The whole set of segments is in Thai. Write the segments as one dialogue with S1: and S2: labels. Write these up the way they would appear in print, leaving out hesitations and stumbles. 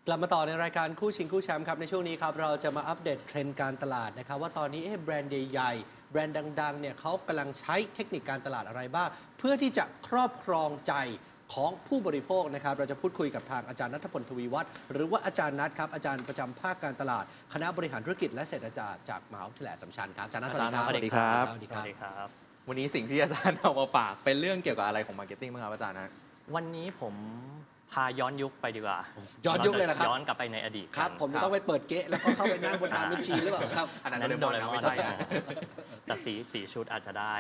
S1: กลับมาต่อในรายการคู่ชิงคู่แชมป์ครับในช่วงนี้ครับเราจะมาอัปเดตเทรนด์การตลาดนะครับว่าตอนนี้แบรนด์ใหญ่ๆแบรนด์ดังๆเนี่ยเขากำลังใช้เทคนิคการตลาดอะไรบ้างเพื่อที่จะครอบครองใจของผู้บริโภคนะครับเราจะพูดคุยกับทางอาจารย์ณัฐพล ทวีวัฒน์หรือว่าอาจารย์นัทครับอาจารย์ประจำภาคการตลาดคณะบริหารธุรกิจและเศรษฐศาสตร์จากมหาวิทยาลัยอัสสัมชัญครับอาจารย์นัทสวัสดีครับ
S2: สวัสดีครับ
S1: สวัสดีครับ
S2: วันนี้สิ่งที่อาจารย์เอามาฝากเป็นเรื่องเกี่ยวกับอะไรของมาร์เก็ตติ้งบ้างครับอาจารย์นะ
S3: วันนี้ผมพาย้อนยุคไปดีกว่า
S1: ย้อนยุคเลยนะครับ
S3: ย้อนกลับไปในอดีต
S1: ครับผมจะต้องไปเปิดเก๊ะแล้วก็เข้าไปนั่งบนทางบัญชีหรือเปล่าครับ
S2: อันนั้นโดเรมอนไม่ใช่นะ
S3: แต่สีชุดอาจจะได้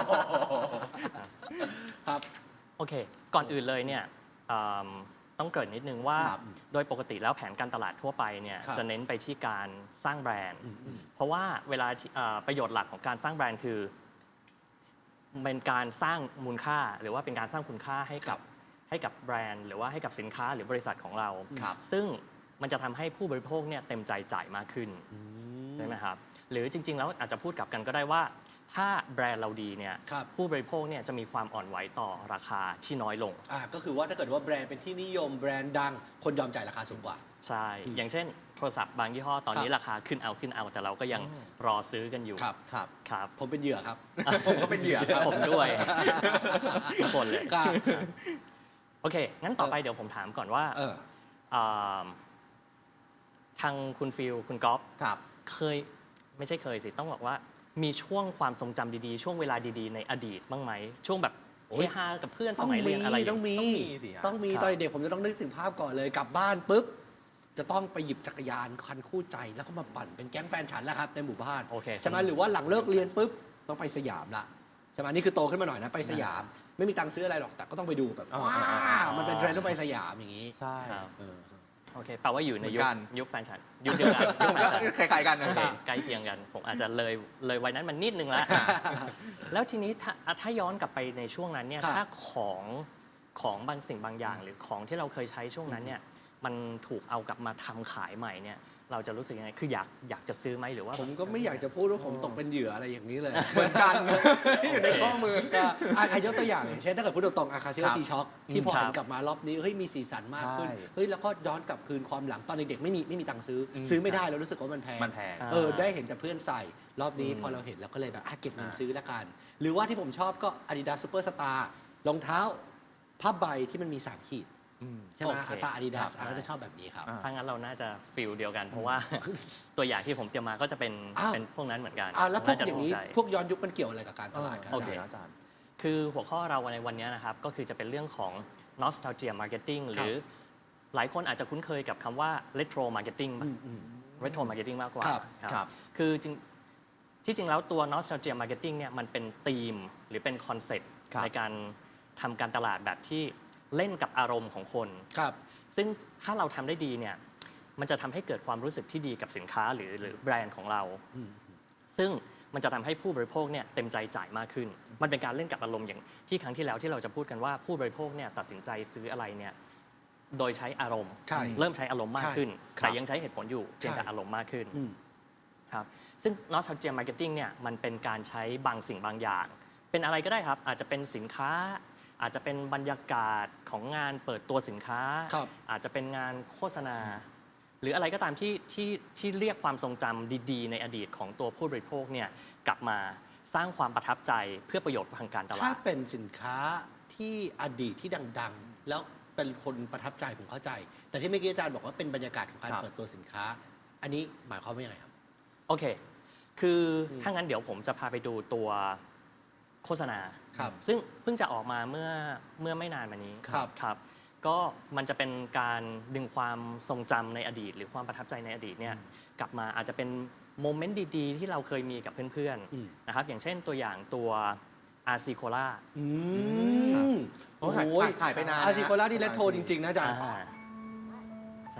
S1: ครับ
S3: โอเค ก่อนอื่นเลยเนี่ยต้องเกริ่นนิดนึงว่า
S1: ครับ
S3: โดยปกติแล้วแผนการตลาดทั่วไปเนี่ย
S1: ครับ
S3: จะเน้นไปที่การสร้างแบรนด์ เพราะว่าเวลาประโยชน์หลักของการสร้างแบรนด์คือเป็นการสร้างมูลค่าหรือว่าเป็นการสร้างคุณค่าให้กับแบรนด์หรือว่าให้กับสินค้าหรือบริษัทของเรา
S2: ครับ
S3: ซึ่งมันจะทำให้ผู้บริโภคเนี่ยเต็มใจจ่ายมากขึ้นใช่ไหมครับหรือจริงๆแล้วอาจจะพูดกลับกันก็ได้ว่าถ้าแบรนด์เราดีเนี่ย
S1: ครับ
S3: ผู้บริโภคเนี่ยจะมีความอ่อนไหวต่อราคาที่น้อยลง
S1: ก็คือว่าถ้าเกิดว่าแบรนด์เป็นที่นิยมแบรนด์ดังคนยอมจ่ายราคาสูงกว่า
S3: ใช่ อย่างเช่นโทรศัพท์บางยี่ห้อตอนนี้
S1: ครับ
S3: ราคาขึ้นเอาแต่เราก็ยังรอซื้อกันอยู่
S1: ครับ
S2: ครับ
S3: ครับ
S1: ผมเป็นเหยื่อครับ
S2: ผมก็เป็นเหยื่อครับ
S3: ผมด้วย ทุกคนเลย
S1: ครับ
S3: โอเค งั้นต่อไปเดี๋ยวผมถามก่อนว่า อ่าทางคุณฟิลคุณก๊อฟ
S2: ครับ
S3: เคยไม่ใช่เคยสิต้องบอกว่ามีช่วงความทรงจำดีๆ ช่วงเวลาดีๆในอดีตบ้างไหมช่วงแบบ
S1: โอ้
S3: เฮ
S1: ย
S3: ฮากับเพื่อนสมัยเรียนอะไรอย่าง
S1: ต้อง
S3: เงี้ย
S1: มี
S2: สิฮะ
S1: ต้องมี
S3: ครับ
S1: ตอนเด็กผมจะต้องนึกถึงภาพก่อนเลยกลับบ้านปุ๊บจะต้องไปหยิบจักรยานคันคู่ใจแล้วก็มาปั่นเป็นแก๊งแฟนฉันแล้วครับในหมู่บ้าน
S3: โอเค
S1: ใช่ไหมหรือว่าหลังเลิกเรียนปุ๊บต้องไปสยามละใช่ไหมนี่คือโตขึ้นมาหน่อยนะไปสยาม ไม่มีตังค์ซื้ออะไรหรอกแต่ก็ต้องไปดูแบบ
S2: อ๋อ
S1: ว้า
S2: อ๋อ
S1: มันเป็นเทรนด์ต้องไปสยามอย่างนี้
S2: ใช่
S3: ครับ
S1: เออ
S3: โอเคแปลว่าอยู่ใน
S2: เหมือนกัน
S3: ยุคแฟนฉันยุคเดียวกันยุคแฟนฉัน
S2: คล้ายๆกันนะ
S3: โอเคใกล้เคียงกัน ผมอาจจะเลยวัยนั้นมันนิดนึงแล้ว แล้วทีนี้ถ้าย้อนกลับไปในช่วงนั้นเนี่ย
S1: ครับ
S3: ถ้าของบางสิ่งบางอย่าง หรือของที่เราเคยใช้ช่วงนั้นเนี่ยมันถูกเอากลับมาทำขายใหม่เนี่ยเราจะรู้สึกยังไงคืออยากจะซื้อไหมหรือว่า
S1: ผมก็ไม่อยากจะพูดว่าผมตกเป็นเหยื่ออะไรอย่างนี้เลย
S2: เหมือนกันอยู่ในข้อมือ
S1: ก็ยกตัวอย่างอย่างเช่นถ้าเกิดพูดตรงๆอาคาเซีย
S2: ครับ
S1: จีช็อคที่พอ
S3: ครับ
S1: หันกลับมารอบนี้เฮ้ยมีสีสันมากขึ้น
S2: ใช่
S1: เฮ้ยแล้วก็ย้อนกลับคืนความหลังตอนเด็กๆไม่มีตังค์ซื้ออ
S2: ม
S1: ซื้อไม่ได้แล้วรู้สึกว่ามันแพง
S2: มันแพง
S1: ได้เห็นแต่เพื่อนใส่รอบนี้พอเราเห็นเราก็เลยแบบเก็บเงินซื้อละกัน หรือว่าที่ผมชอบก็ Adidas Superstar รองเท้าผ้าใบที่มันมี3ขีดใช่ไหม
S3: โอเค
S1: ตา Adidas
S3: ครับ
S1: ก็จะชอบแบบนี้ครับ
S2: อ่า
S3: ถ้างั้นเราน่าจะฟิลเดียวกัน เพราะว่า ตัวอย่างที่ผมเตรียมมาก็จะเป็น
S1: อ้าว
S3: เป็นพวกนั้นเหมือนกัน
S1: แล้วพวก
S3: จะ
S1: อย่างนี้
S3: ถูใจ
S1: พวกย้อนยุคมันเกี่ยวอะไรกับการตลาดครับ
S3: โอเค
S2: อาจารย์
S3: คือหัวข้อเราในวันนี้นะครับ ก็คือจะเป็นเรื่องของ nostalgia marketing หรือหลายคนอาจจะคุ้นเคยกับคำว่า retro marketing retro marketing มากกว่า
S2: ครับ
S3: คือที่จริงแล้วตัว nostalgia marketing เนี่ยมันเป็นธีมหรือเป็นคอนเซ็ปต์
S2: ครับ
S3: ในการทำการตลาดแบบที่เล่นกับอารมณ์ของคน
S1: ครับ
S3: ซึ่งถ้าเราทำได้ดีเนี่ยมันจะทำให้เกิดความรู้สึกที่ดีกับสินค้าหรือแบรนด์ของเรา ซึ่งมันจะทำให้ผู้บริโภคเนี่ยเต็มใจจ่ายมากขึ้น มันเป็นการเล่นกับอารมณ์อย่างที่ครั้งที่แล้วที่เราจะพูดกันว่าผู้บริโภคเนี่ยตัดสินใจซื้ออะไรเนี่ยโดยใช้อารมณ์
S1: ใช่
S3: เริ่มใช้อารมณ์มากขึ้น
S1: ใช่
S3: แต่ยังใช้เหตุผลอยู่เพียงแต่อารมณ์มากขึ้น ครับซึ่ง nostalgia marketing เนี่ยมันเป็นการใช้บางสิ่งบางอย่าง เป็นอะไรก็ได้ครับ อาจจะเป็นสินค้า อาจจะเป็นบรรยากาศของงานเปิดตัวสินค้า
S1: ครับ
S3: อาจจะเป็นงานโฆษณา หรืออะไรก็ตามที่เรียกความทรงจำดีๆ ในอดีตของตัวผู้บริโภคเนี่ยกลับมาสร้างความประทับใจเพื่อประโยชน์ทางการตลา
S1: ถ้า
S3: ด
S1: เป็นสินค้าที่อดีตที่ดังๆ แล้วเป็นคนประทับใจผมเข้าใจ แต่ที่เมื่อกี้อาจารย์บอกว่าเป็นบรรยากาศของการ
S2: ครับ
S1: เปิดตัวสินค้า อันนี้หมายความว่ายังไงครับ
S3: โอเค คือถ้างั้นเดี๋ยวผมจะพาไปดูตัวโฆษณา
S1: ครับ
S3: ซึ่งเพิ่งจะออกมาเมื่อไม่นานมานี้
S1: ครับ
S3: ครับ ก็มันจะเป็นการดึงความทรงจำในอดีต หรือความประทับใจในอดีตเนี่ยกลับมาอาจจะเป็นโมเมนต์ดีๆ ที่เราเคยมีกับเพื่อน
S1: อืม
S3: ๆนะครับอย่างเช่นตัวอย่างตัวอาร์ซีโคล่า
S1: โอ้โห
S2: หายไปนาน
S1: อาซิโคล่าที่เลตโทจริง ๆ นะอาจารย์
S3: ใช่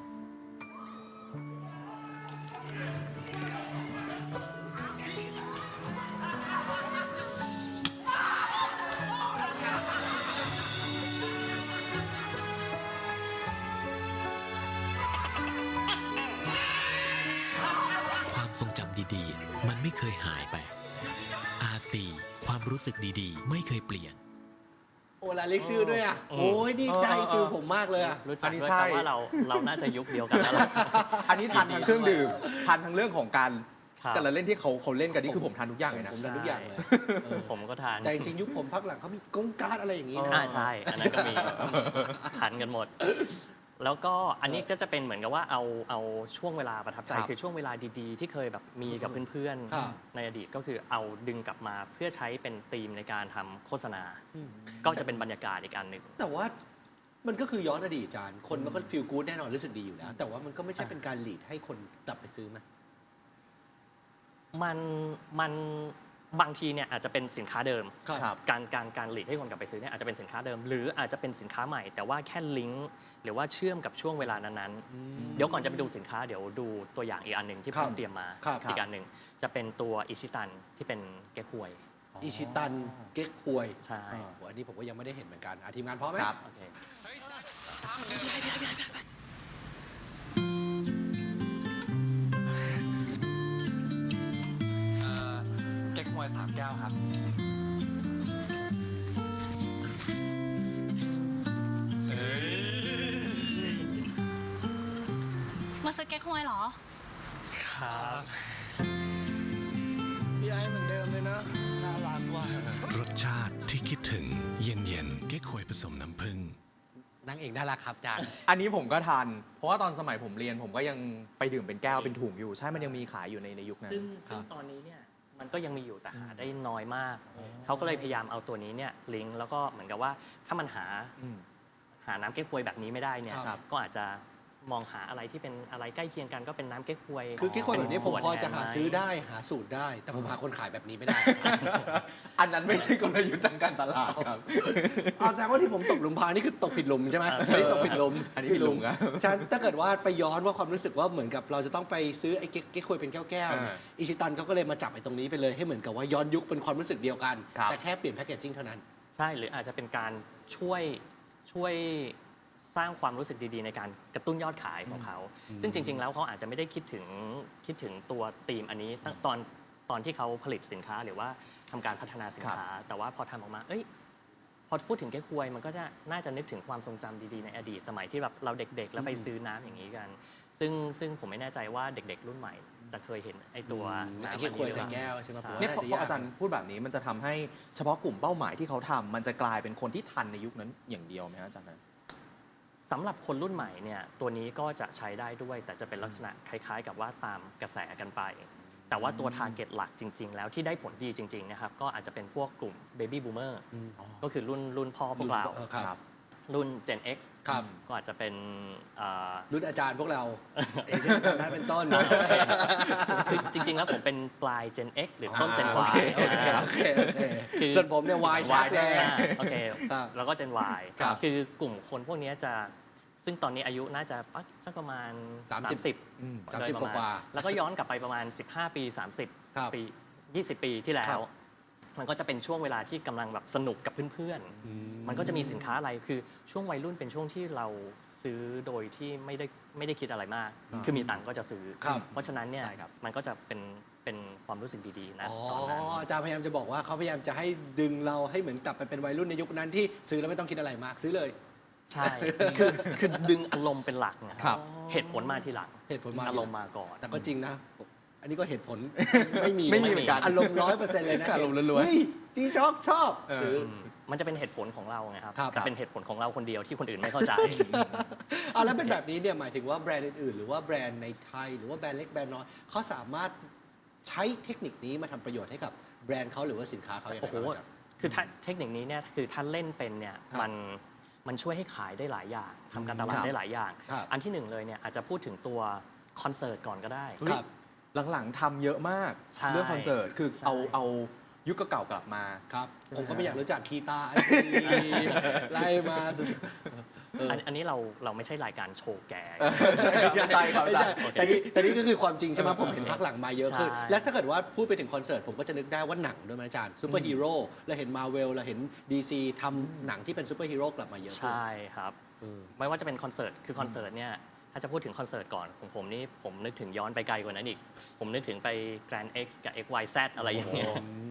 S4: ความทรงจำดีๆ มันไม่เคยหายไป RC ความรู้สึกดีๆ ไม่เคยเปลี่ยน
S1: โอ้ลาเล็กชื่อด้วยอ่ะโอ้ยนี่ได้ฟิลผมมากเลยอ่ะ
S3: รู้จั
S2: อั
S3: ก
S2: นนี้
S3: ด้วย
S2: ใช่
S3: ครับว่าเราน่าจะยุคเดียวกันแล้วล่ะ
S2: อันนี้ทันทั้งเครื่องดื่มทันทั้งเรื่องของการ
S3: ครับ
S2: การละเล่นที่เขาเล่นกันนี่คือผมทันทุกอย่างเลยนะ
S1: ผมทานทุกอย่างเลย
S3: ผมก็ทาน
S1: แต่จริงๆยุคผมพักหลังเขามีกงการ์ดอะไรอย่างนี้นะ
S3: ใช่ อันนั้นก็มีทานกันหมด แล้วก็อันนี้ก็จะเป็นเหมือนกับว่าเอาช่วงเวลาประทับใจ
S2: ครับ
S3: คือช่วงเวลาดีๆ ที่เคยแบบมีกับเพื่อน
S1: ครับ
S3: ๆในอดีตก็คือเอาดึงกลับมาเพื่อใช้เป็นธีมในการทำโฆษณา ก็จะเป็นบรรยากาศอีกอันหนึ่ง
S1: แต่ว่ามันก็คือย้อนอดีตอาจารย์คนมันก็ฟีลกู๊ดแน่นอนรู้สึกดีอยู่แล้ว แต่ว่ามันก็ไม่ใช่เป็นการหลีดให้คนกลับไปซื้อไหม
S3: มันบางทีเนี่ยอาจจะเป็นสินค้าเดิม
S1: ครับ
S3: การหลีดให้คนกลับไปซื้อเนี่ยอาจจะเป็นสินค้าเดิม หรืออาจจะเป็นสินค้าใหม่ แต่ว่าแค่ลิงก์หรือว่าเชื่อมกับช่วงเวลานั้นๆเดี๋ยวก่อนจะไปดูสินค้าเดี๋ยวดูตัวอย่างอีกอันหนึ่งที่
S1: ค
S3: ผ
S1: รับ
S3: มเตรียมมา
S1: ครับ
S3: อีกอันหนึ่งจะเป็นตัวอิชิตันที่เป็นแก้ควย
S1: อิชิตันเก๊กฮวย
S3: ใช่
S1: โอ้อันนี้ผมก็ยังไม่ได้เห็นเหมือนกันทีมงานพร้อมไหม
S2: ครับ
S3: โอเค
S5: เก๊กฮวย3 แก้วครับ
S6: มาซื้อเก๊กฮวยเหรอ
S5: ครับพี่ไอ้เหมือนเดิมเลยนะน่ารักว่ะ
S4: รสชาติที่คิดถึงเย็นๆเก๊กฮวยผสมน้ำผึ้ง
S1: นางเอกน่ารักครับอาจารย์
S2: อันนี้ผมก็ทัน เพราะว่าตอนสมัยผมเรียนผมก็ยังไปดื่มเป็นแก้วเป็นถุงอยู่ ใช่มันยังมีขายอยู่ในยุคนั้น
S3: ซึ่งตอนนี้เนี่ยมันก็ยังมีอยู่แต่หาได้น้อยมาก เขาก็เลยพยายามเอาตัวนี้เนี่ยลิงก์แล้วก็เหมือนกับว่าถ้ามันหา
S2: อืม
S3: น้ำเก๊กฮวยแบบนี้ไม่ได้เนี่ย
S1: ครับ
S3: ก็อาจจะมองหาอะไรที่เป็นอะไรใกล้เคียงกันก็เป็นน้ำเก๊กฮวย
S1: คือเก๊กฮวยแบบนี้ผมพอจะหาซื้อ
S3: เป็นขวดแทนไหม
S1: ได้หาสูตรได้ แต่ผมหาคนขายแบบนี้ไม่ได้
S2: อันนั้นไม่ใช่กลยุทธ์ทางการตลาดครับ
S1: เอาแสดงว่าที่ผมตกหลุมพรางนี่คือตกผิดหลุมใช่ไหมอันนี้ตกผิดหลุม
S2: อันนี้ผิดหลุมครับ
S1: ฉันถ้าเกิดว่าไปย้อนว่าความรู้สึกว่าเหมือนกับเราจะต้องไปซื้อไอ้เก๊กฮวยเป็นแก้วๆเนี่ยอิชิตันเขาก็เลยมาจับไอ้ตรงนี้ไปเลยให้เหมือนกับว่าย้อนยุคเป็นความรู้สึกเดียวกัน
S2: ครับ
S1: แต่แค่เปลี่ยนแพคเกจจิ้งเท่านั้น
S3: ใช่หรืออาจจะเป็นการช่วยสร้างความรู้สึกดีๆ ในการกระตุ้นยอดขายของเขา ซึ่งจริง ๆ แล้วเขาอาจจะไม่ได้คิดถึงตัวธีมอันนี้ตั้งตอนที่เขาผลิตสินค้าหรือว่าทำการพัฒนาสินค้า แต่ว่าพอทำออกมาพอพูดถึงแก้ควยมันก็จะน่าจะนึกถึงความทรงจำดีๆในอดีตสมัยที่แบบเราเด็กๆ แล้วไปซื้อน้ำอย่างนี้กัน ซึ่งผมไม่แน่ใจว่าเด็กๆ รุ่นใหม่จะเคยเห็นไอ้ตัวน้ำ
S1: ไอ้
S3: อัน
S1: เก๊
S3: นี้
S1: ก
S3: ห
S1: ฮวย
S3: รือ
S1: ใส่
S3: เปล่า
S1: แก้วใช่ไหมผมว่า
S2: เนี่ย
S1: น่า
S2: พ
S1: จะ
S2: อย
S1: าก
S2: อาจารย์พูดแบบนี้มันจะทำให้เฉพาะกลุ่มเป้าหมายที่เขาทำมันจะกลายเป็นคนที่ทันในยุคนั้นอย่างเดียวไหมฮะอาจารย์นะ
S3: สำหรับคนรุ่นใหม่เนี่ยตัวนี้ก็จะใช้ได้ด้วย แต่จะเป็นลักษณะคล้าย ๆ กับว่าตามกระแสกันไป แต่ว่าตัว t a r g e t หลักจริง ๆ แล้วที่ได้ผลดีจริง ๆ นะครับ ก็อาจจะเป็นพวกกลุ่ม Baby Boomer ก็คือรุ่นพ่อพวกเรา
S1: ครับ
S3: รุ่น Gen X
S1: ครับ
S3: ก็อาจจะเป็น
S1: รุ่นอาจารย์พวกเราเอเจนต์นั้นเป็นต้น
S3: คือจริง ๆ แล้วผมเป็นปลาย Gen X หรือต้น Gen
S1: โอ
S3: Y
S1: เคโอเคโอเคโอเค
S3: คือ
S1: ส่วนผมเนี่ยวายชัดเลย
S3: โอเค
S1: ครับ
S3: แล้วก็ Gen Y
S1: ครับ
S3: คือกลุ่มคนพวกนี้จะซึ่งตอนนี้อายุน่าจะสักประมาณ
S1: อืม
S3: โดยประมาณ
S1: 30กว่า
S3: แล้วก็ย้อนกลับไปประมาณ 15 ปี
S1: ครับ
S3: 30 ปี 20 ปีที่แล้
S1: ครั
S3: ว
S1: บ
S3: มันก็จะเป็นช่วงเวลาที่กำลังแบบสนุกกับเพื่อนๆ มันก็จะมีสินค้าอะไรคือช่วงวัยรุ่นเป็นช่วงที่เราซื้อโดยที่ไม่ได้คิดอะไรมาก คือมีตังค์ก็จะซื้อ
S1: ครับ
S3: เพราะฉะนั้นเนี่ย
S2: ใช่ครับ
S3: มันก็จะเป็นความรู้สึกดีๆนะ
S1: อ๋อ
S3: ตอนนั้น
S1: อาจารย์พยายามจะบอกว่าเขาพยายามจะให้ดึงเราให้เหมือนกลับไปเป็นวัยรุ่นในยุคนั้นที่ซื้อแล้วไม่ต้องคิดอะไรมากซื้อเลย
S3: ใช่ คือดึงอารมณ์เป็นหลักนะครับ เหตุผลมาทีหลัง
S1: เหตุผลมาทีหลัง
S3: อารมณ์มาก่อน
S1: แต่ก็จริงนะ อันนี้ก็เหตุผล ไม่มี
S2: ไม่มีเหมือนกัน
S1: อารมณ์100%เลยนะ
S2: อารมณ์ล้วนๆ
S1: เฮ้ยดีชอบซื้อ
S3: มันจะเป็นเหตุผลของเราไงครับ
S1: ครับ
S3: แต่เป็นเหตุผลของเราคนเดียวที่คนอื่นไม่เข้าใจ
S1: เอาแล้วเป็นแบบนี้เนี่ยหมายถึงว่าแบรนด์อื่นๆ หรือว่าแบรนด์ในไทย หรือว่าแบรนด์เล็กแบรนด์น้อยเขาสามารถใช้เทคนิคนี้มาทำประโยชน์ให้กับแบรนด์เขาหรือว่าสินค้าเขาอย่างไร
S3: โอ้โห
S1: บ้างครับ
S3: คือถ้าเทคนิคนี้เนี่ยคือถ้าเล่นเป็นเนี่ย
S1: ครับ
S3: มันช่วยให้ขายได้หลายอย่างทำการตลา
S2: ค
S3: ด
S2: รับ
S3: ได้หลายอย่าง
S1: ครับ
S3: อันที่หนึ่งเลยเนี่ยอาจจะพูดถึงตัวคอนเสิร์ตก่อนก็ได้
S1: ครับ
S2: หลังๆทำเยอะมาก
S3: ใช่
S2: เรื่องคอนเสิร์ตคือ
S3: ใช่
S2: เอายุคเก่าๆกลับมา
S1: ครับ ผมก็ไม่อยากรู้จักคีตาไอไล่มาสุดๆ
S3: อันนี้เราไม่ใช่รายการโชว์แก่
S2: ใช่ครับ
S1: ไม่ใช่แต่นี่ก็คือความจริงใช่ไหมผมเห็นพักหลังมาเยอะขึ้น
S3: ใช่
S1: และถ้าเกิดว่าพูดไปถึงคอนเสิร์ตผมก็จะนึกได้ว่าหนังด้วยไหมอาจารย์ซูเปอร์ฮีโร่เราเห็นมาเวลเราเห็น DC ทำหนังที่เป็นซูเปอร์ฮีโร่กลับมาเยอะขึ้น
S3: ใช่ครับ
S1: เออ
S3: ไม่ว่าจะเป็นคอนเสิร์ตคือคอนเสิร์ตเนี่ยถ้าจะพูดถึงคอนเสิร์ตก่อนของผมนี่ผมนึกถึงย้อนไปไกลกว่านั้นอีก ผมนึกถึงไป Grand X กับ XYZ อะไรอย่างเงี้ย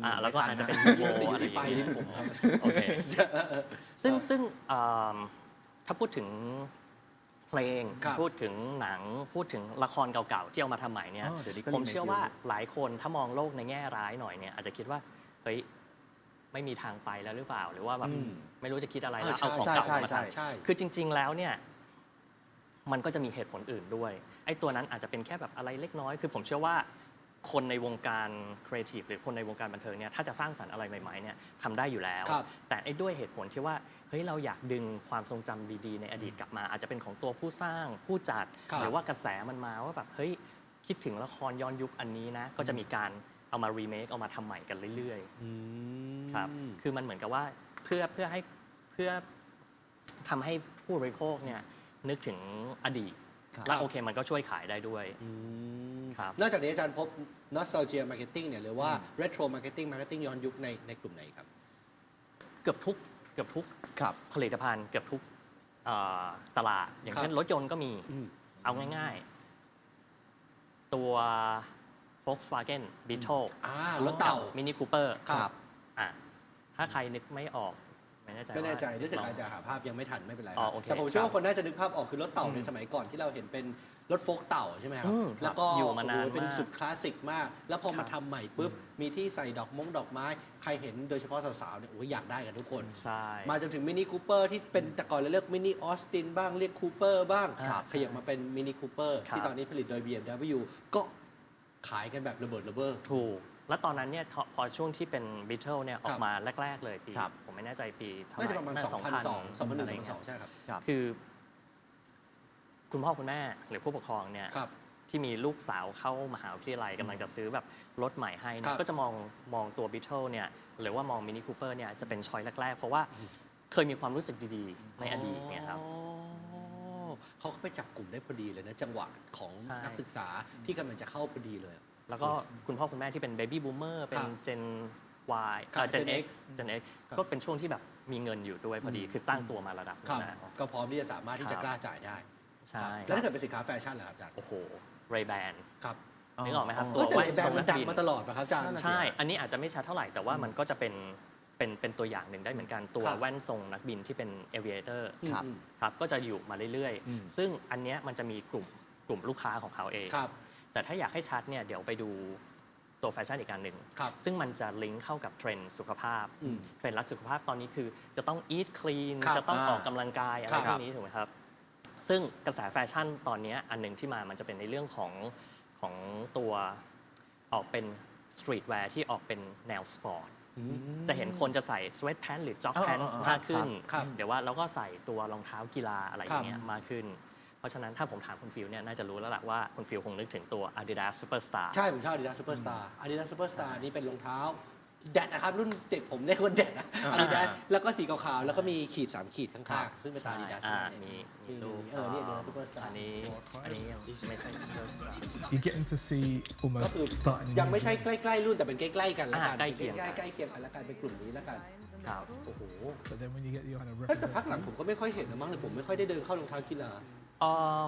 S3: แล้วก็อาจจะเป็นยูโวอะไรอย่าง
S1: ไป
S3: เงี้
S1: ลิ้
S3: ย
S1: นผมครับ
S3: โอเคซึ่งถ้าพูดถึงเพลง
S1: ครับ
S3: พูดถึงหนังพูดถึงละครเก่าๆที่เอามาทำใหม่เนี่ย
S2: เดี๋ยวนี้ก็
S3: ผม
S2: remake
S3: เชื่อว่า
S2: เยอะ
S3: หลายคนถ้ามองโลกในแง่ร้ายหน่อยเนี่ยอาจจะคิดว่าเฮ้ยไม่มีทางไปแล้วหรือเปล่า หรือว่าแบบไม่รู้จะคิดอะไรแล้วเอาของเก่ามาทำ
S1: ใช่
S3: คือจริง ๆ แล้วเนี่ยมันก็จะมีเหตุผลอื่นด้วยไอ้ตัวนั้นอาจจะเป็นแค่แบบอะไรเล็กน้อย คือผมเชื่อว่าคนในวงการครีเอทีฟหรือคนในวงการบันเทิงเนี่ยถ้าจะสร้างสรรค์อะไรใหม่ๆเนี่ยทำได้อยู่แล้ว
S1: ครับ
S3: แต่ไอ้ด้วยเหตุผลที่ว่าเฮ้ยเราอยากดึงความทรงจำดีๆในอดีตกลับมา อาจจะเป็นของตัวผู้สร้างผู้จัด
S1: ครับ
S3: หรือว่ากระแสมันมาว่าแบบเฮ้ยคิดถึงละครย้อนยุคอันนี้นะก็จะมีการเอามารีเมคเอามาทำใหม่กันเรื่อยๆครับคือมันเหมือนกับว่าเพื่อทำให้ผู้บริโภคเนี่ยนึกถึงอดีต และโอเคมันก็ช่วยขายได้ด้วย ครับ
S1: นอกจากนี้อาจารย์พบ nostalgia marketing เนี่ยหรือว่า retro marketing marketing ย้อนยุคในกลุ่มไหนครับ
S3: เกือบทุก
S2: ครับ
S3: ผลิตภัณฑ์เกือบทุกตลาด อย่างเช่นรถยนต์ก็มี เอาง่ายๆ ตัว Volkswagen Beetle
S1: รถเต่า
S3: มินิคูเปอร์
S1: ครับ
S3: ถ้าใครนึกไม่ออก ไม่แน่ใจ
S1: ไม่แน่ใจ
S3: ว่า
S1: รู้สึก
S3: ลอง
S1: อาจจะหาภาพยังไม่ทันไม่เป็นไร
S3: อ๋อโอเค
S1: แต่ผมเชื่อ
S3: ครั
S1: ว่า
S3: บ
S1: คนน่าจะนึกภาพออกคือรถเต่าในสมัยก่อนที่เราเห็นเป็นรถโฟล์กเต่าใช่ไหมครับ
S3: ครับ
S1: แล้วก็
S3: อยู่มานาน
S1: โอ้โหเป็น
S3: มาก
S1: สุดคลาสสิกมาก แล้วพอมา
S3: ครับ
S1: ทำใหม่ปุ๊บมีที่ใส่ดอกไม้ใครเห็นโดยเฉพาะสาวๆเนี่ยโอ้ยอยากได้กันทุกคน
S3: ใช่
S1: มาจนถึงมินิคูเปอร์ที่เป็นแต่ก่อนเราเรียกมินิออสตินบ้างเรียกคูเปอร์บ้าง
S3: ครับ
S1: ขยับมาเป็นมินิคูเปอร์
S3: ครับ
S1: ที่ตอนนี้ผลิตโดย BMW ก็ขายกันแบบระเบิดระเบ้อ
S3: ถูก แล้วตอนนั้นเนี่ยพอช่วงที่เป็น Beetle เนี่ยออกมาแรก ๆ เลยปี
S2: ครับ
S3: ผมไม่แน่ใจปีเท่าไห
S1: น่า
S3: ร่
S1: จะประมาณ 2002 2001
S3: อะไรเงี้ย
S1: 2002ใช่ครับ
S3: คือ คุณพ่อคุณแม่หรือผู้ปกครองเนี่ย
S1: ครับ
S3: ที่มีลูกสาวเข้ามหาวิทยาลัยกำลังจะซื้อแบบรถใหม่ให้เนี่
S1: ครั
S3: ย
S1: บ
S3: ก็จะมองตัว Beetle เนี่ยหรือว่ามอง Mini Cooper เนี่ยจะเป็นช้อยแรก ๆ เพราะว่าเคยมีความรู้สึกดีๆ ในอดีตเนี่ยครับ
S1: อ๋อเขาก็ไปจับกลุ่มได้พอดีเลยนะจังหวะของ
S3: ใช่
S1: นักศึกษาที่กำลังจะเข้าพอดีเลย
S3: แล้วก็คุณพ่อคุณแม่ที่เป็น Baby Boomer เป็น
S1: ครับ
S3: Gen Y
S1: ครับ
S3: Gen
S1: Gen
S3: X
S1: X
S3: Gen X
S1: ครับ
S3: ก็เป็นช่วงที่แบบมีเงินอยู่ด้วยพอดี คือสร้างตัวมาระดับหนึ
S1: ครั
S3: ง
S1: บ
S3: แล้ว
S1: ก็พร้อมที่จะสามารถที่จะ
S3: ครับ
S1: กล้าจ่ายได้
S3: ใช่
S1: แล้วถ้าเกิดเป็นสินค้าแฟชั่นล่ะครับอาจารย์
S3: โอ้โห Ray-Ban
S1: ครับ
S3: นึกออกไหมครับ
S1: เอ้ยแต่
S3: แว่
S1: ในแบรนด์
S3: ท
S1: มันดัง
S3: กบิ
S1: มาตลอดป่ะครับอาจารย์
S3: ใช่ อันนี้อาจจะไม่ชัดเท่าไหร่ แต่ว่ามันก็จะเป็นตัวอย่างหนึ่งได้เหมือนกัน ตัว
S1: ครับ
S3: แว่นทรงนักบินที่เป็น aviator
S2: ครับ
S3: ครับ ก็จะอยู่มาเรื่อย
S2: อืม
S3: ๆ ซึ่งอันเนี้ยมันจะมีกลุ่มลูกค้าของเขาเอง
S1: ครับ
S3: แต่ถ้าอยากให้ชัดเนี่ย เดี๋ยวไปดูตัวแฟชั่นอีกการหนึ่ง
S1: ครับ
S3: ซึ่งมันจะลิงก์เข้ากับเทรนด์สุขภาพ
S1: อืม
S3: เทรนด์รักสุขภาพตอนนี้คือจะต้อง eat clean
S1: ครับ
S3: จะต้องออกกำลังกายอะไร
S1: ครับ
S3: พวกนี้ถูกไหมครับ ซึ่งกระแสแฟชั่นตอนเนี้ยอันหนึ่งที่มันจะเป็นในเรื่องของตัวออกเป็นสตรีทแวร์ที่ออกเป็นแนวสปอร์ต จะเห็นคนจะใส่สเวตแพนหรือจ็อกแพน
S2: อ่าๆๆ
S3: มากขึ้น
S1: ครับ
S3: เดี๋ยวว่าเราก็ใส่ตัวรองเท้ากีฬาอะไรอย่างเงี้ย
S1: ครับ
S3: มากขึ้น เพราะฉะนั้นถ้าผมถามคุณฟิลเนี่ยน่าจะรู้แล้วล่ะว่าคุณฟิลคงนึกถึงตัว Adidas Superstar
S1: ใช่ ผมชอบ Adidas Superstar Adidas Superstar นี่เป็นรองเท้าแดดนะครับ รุ่นเด็กผมเรียกว่าแดดนะ Adidas แล้วก็สีขาวๆแล้วก็มีขีด 3 ขีดข้างๆ ซึ่งเป็นตา Adidas
S3: อ่า
S1: นั่นเอง
S3: มีรูป
S1: นี่ Adidas Superstar
S3: อันนี้ยังไม่ใช่ Superstar
S7: You're getting to see
S1: ก็
S7: almost
S1: คือ
S7: starting a
S1: ยัง
S7: new
S1: ไม่ใช่ใกล้ๆรุ่นแต่เป็นใกล้ๆกันแล้วกัน
S3: ใกล้เคียงกัน
S1: ใกล้ๆเคียงกันแล้วกันเป็นกลุ่มนี้แล้วกัน
S3: ครับ
S1: โอ้โห
S7: But then when you get your kind of
S1: เฮ้ยแต่พักหลัง
S7: represent,
S1: ผมก็ไม่ค่อยเห็นนะมั้งเลยผมไม่ค่อยได้เดินเข้ารองเท้ากีฬา
S3: อืม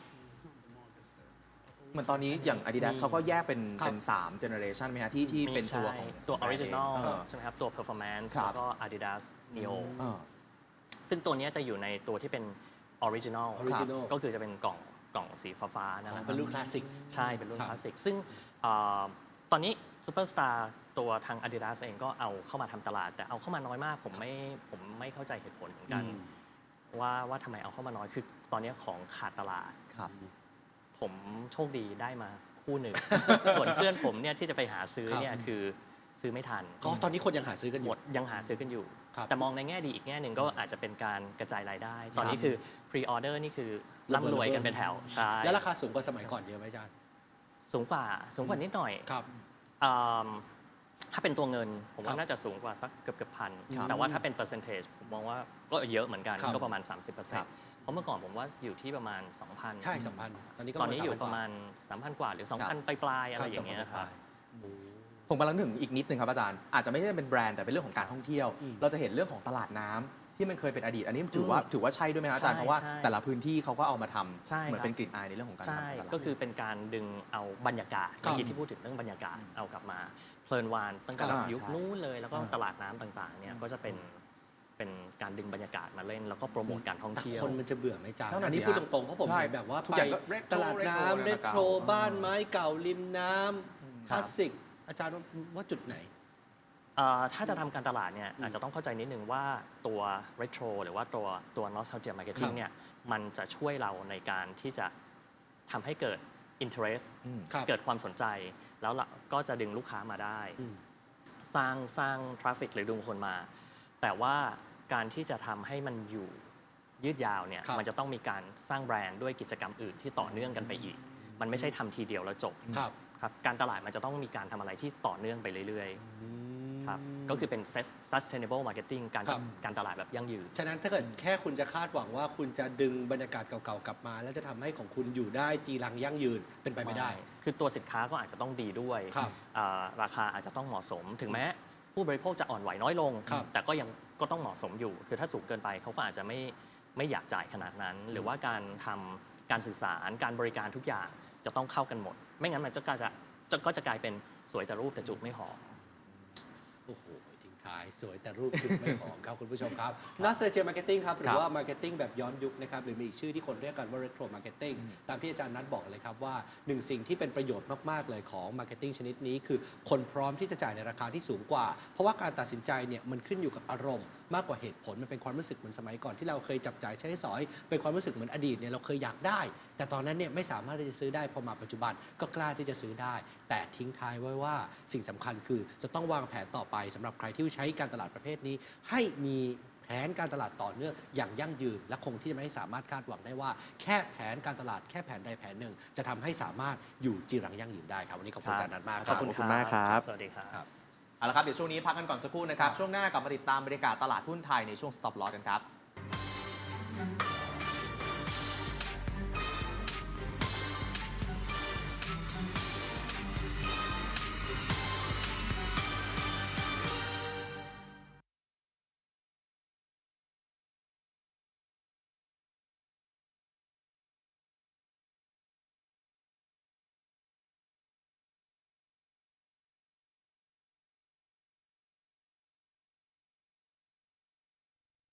S2: เหมือนตอนนี้อย่าง Adidas เขาก็แยกเป็น
S1: ครับ
S2: เป็น3 generation ไหมฮะที่เป็นตัวของ
S3: ตัว Original
S2: เออ
S3: ใช่ไหมครับ ตัว Performance
S2: ครับ
S3: แล้วก็ Adidas Neo
S2: เออ
S3: ซึ่งตัวเนี้ยจะอยู่ในตัวที่เป็น Original
S1: Original
S3: ก็คือจะเป็นกล่องสีฟ้าๆนั่นแหละ
S1: เป็นรุ่นคลาสสิก
S3: ใช่เป็นรุ่น
S1: ครับ
S3: คลาสสิก ซึ่งตอนนี้ Superstar ตัวทาง Adidas เองก็เอาเข้ามาทำตลาด แต่เอาเข้ามาน้อยมาก ผมไม่เข้าใจเหตุผลเหมือนกัน ว่าทำไมเอาเข้ามาน้อยคือตอนนี้ของขาดตลาด
S2: ครับ
S3: ผมโชคดีได้มาคู่หนึ่ง ส่วนเพื่อนผมเนี่ยที่จะไปหาซื้อเนี่ยคือซื้อไม่ทัน
S1: ก็ตอนนี้คนยังหาซื้อกันอ
S3: หม
S1: ยู่
S3: ดยังหาซื้อกันอยู่
S1: ครับ
S3: แต่มองในแง่ดีอีกแง่หนึ่งก็อาจจะเป็นการกระจายรายได้ ตอนนี้คือ pre order นี่คือร่ำรวยกันเป็นแถวใช่
S1: แล้วราคาสูงกว่าสมัยก่อนเยอะไหมอาจารย์
S3: สูงกว่านิดหน่อย
S1: ครับ
S3: อืมถ้าเป็นตัวเงินผม
S1: ครั
S3: ว่า
S1: บ
S3: น่าจะสูงกว่าสักเกือบพัน
S2: ครับ
S3: แต่ว่าถ้าเป็น percentage ผมมองว่าก็เยอะเหมือนกัน
S1: ครับ
S3: ก็ประมาณ
S2: ครับ
S3: 30%เพราะเมื่อก่อนผมว่าอยู่ที่ประมาณ 2,000
S1: ใช่2,000ตอนนี้ก็
S3: ตอนนี้อยู่
S1: 3,000
S3: ประมาณ 3,000 กว่าหรือ 2,000 ปลายๆอะไรอย่างเงี้ยครับ
S2: ผมกำลังนึกถึงอีกนิดนึงครับอาจารย์อาจจะไม่ใช่เป็นแบรนด์แต่เป็นเรื่องของการท่องเที่ยว เราจะเห็นเรื่องของตลาดน้ำที่มันเคยเป็นอดีต อันนี้ถือว่าใช่ด้วยไหมครับอาจารย์
S3: ใช่
S2: เพราะว่า
S3: ใช่
S2: แต่ละพื้นที่เขาก็เอามาทำ
S3: ใช่
S2: เหมือน
S3: ครับ
S2: เป็นกลิ่นอายในเรื่องของการ
S3: ใช่
S2: ทำตลาด
S3: ก็คือเป็นการดึงเอาบรรยากาศ
S1: ครับ
S3: เมื่อกี้ที่พูดถึงเรื่องบรรยากาศเอากลับมา เพเพลินวานตั้งแต่
S2: อ่า
S3: ยุค
S2: ใช่
S3: นู้นเลย แล้วก็
S2: อ่า
S3: ตลาดน้ำต่างๆเนี่ยก็จะเป็นการดึงบรรยากาศมาเล่น แล้วก็โปรโมทการท่อง
S1: แต่
S3: เที่ยว
S1: คนมันจะเบื่อไหมจ๊ะ
S2: นั่นน่ะ
S1: อันนี้
S2: สิ
S1: พูด
S2: ฮะ
S1: ตรงๆเพราะผม
S2: ใช่
S1: เห็นแบบว่า
S2: ทุก
S1: ไป
S2: อย่างก็ retro
S1: ตลาดน้ำ
S2: retro
S1: เรโทร
S2: นะครับ
S1: บ้านไม้เก่าริมน้ำคลาสสิก อาจารย์ว่าจุดไหน
S3: ถ้าจะทำการตลาดเนี่ยอาจจะต้องเข้าใจนิดนึงว่าตัว retro หรือว่าตัว nostalgia
S1: ครั
S3: marketing
S1: บ
S3: เนี่ยมันจะช่วยเราในการที่จะทำให้เกิด interest
S1: ครับ
S3: เกิดความสนใจ แล้วเราก็จะดึงลูกค้ามาได้
S1: อืม
S3: สร้าง traffic หรือดึงคนมา แต่ว่าการที่จะทำให้มันอยู่ยืดยาวเนี่ย
S1: ครับ
S3: มันจะต้องมีการสร้างแบรนด์ด้วยกิจกรรมอื่นที่ต่อเนื่องกันไปอีก มันไม่ใช่ทำทีเดียวแล้วจบ
S1: ครับ
S3: ครับการตลาดมันจะต้องมีการทำอะไรที่ต่อเนื่องไปเรื่อยๆครับก็คือเป็น sustainable marketing
S1: ครับ
S3: การตลาดแบบยั่งยืน
S1: ฉะนั้นถ้าเกิดแค่คุณจะคาดหวังว่าคุณจะดึงบรรยากาศเก่าๆกลับมา แล้วจะทำให้ของคุณอยู่ได้จีรังยั่งยืนเป็นไปไม่ได้
S3: คือตัวสินค้าก็อาจจะต้องดีด้วย
S1: ครับ
S3: ราคาอาจจะต้องเหมาะสม ถึงแม้ผู้บริโภคจะอ่อนไหวน้อยลง
S1: ครับ
S3: แต่ก็ยังก็ต้องเหมาะสมอยู่ คือถ้าสูงเกินไปเขาก็อาจจะไม่อยากจ่ายขนาดนั้น หรือว่าการทำการสื่อสารการบริการทุกอย่างจะต้องเข้ากันหมด ไม่งั้นมันก็จะกลายเป็นสวยแต่รูปแต่จุกไม่หอม
S1: โอ้โหทิ้งท้ายสวยแต่รูปจุดไม่หอมครับคุณผู้ชมครับ Nostalgia Marketing ครับหรือว่า Marketing แบบย้อนยุคนะครับหรือมีอีกชื่อที่คนเรียกกันว่า Retro Marketing ตามที่อาจารย์นัทบอกเลยครับว่าหนึ่งสิ่งที่เป็นประโยชน์มากๆเลยของ Marketing ชนิดนี้คือคนพร้อมที่จะจ่ายในราคาที่สูงกว่า เพราะว่าการตัดสินใจเนี่ยมันขึ้นอยู่กับอารมณ์มากกว่าเหตุผลมันเป็นความรู้สึกเหมือนสมัยก่อนที่เราเคยจับจ่ายใช้สอยเป็นความรู้สึกเหมือนอดีตเนี่ยเราเคยอยากได้ แต่ตอนนั้นเนี่ยไม่สามารถที่จะซื้อได้พอมาปัจจุบันก็กล้าที่จะซื้อได้ แต่ทิ้งท้ายไว้ว่าสิ่งสำคัญคือจะต้องวางแผนต่อไปสำหรับใครที่ใช้การตลาดประเภทนี้ ให้มีแผนการตลาดต่อเนื่องอย่างยั่งยืน และคงที่จะไม่สามารถคาดหวังได้ว่าแค่แผนการตลาดแค่แผนใดแผนหนึ่ง จะทำให้สามารถอยู่จีรังยั่งยืนได้ครับวันนี้ขอบคุณอาจารย์นัทมากค
S2: ข
S1: รั
S2: อบคุณมากครับ
S3: สวัสดีครับ
S1: ครับ
S2: เอาละครับ เดี๋ยวช่วงนี้พักกันก่อนสักครู่นะครับ ช่วงหน้ากลับมาติดตามบรรยากาศตลาดหุ้นไทยในช่วง Stop Loss กันครับ